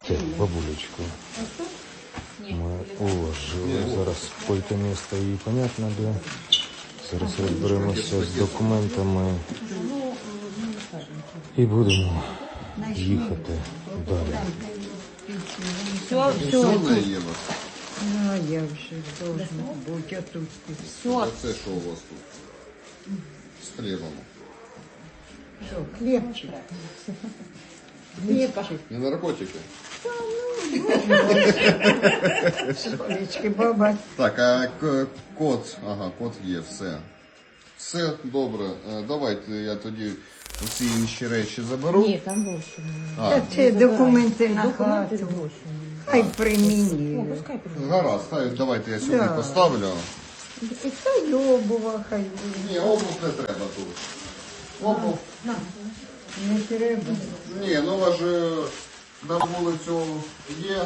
Так, бабулечку ми уложили. Зараз пойте місто і понятно, де. Зараз розберемося з документами і будемо їхати далі. Все, Єва. а я вже должна бути, а тут А це що у вас тут? З хлібом. все, хлібчик. Хлібчик. Не наркотики? Сонечки, баба. Так, а код, ага, код є, все. Все добре. Давайте я тоді усі інші речі заберу. Ні, там більше. Та це документи на Документи хату. більше. Хай при мені. Пускай прийде. Гаразд, давайте я сюди Да. поставлю. І хай обува, хай буде. Ні, обув не треба тут. Обув? Не треба. Ні, ну у вас же на вулицю є.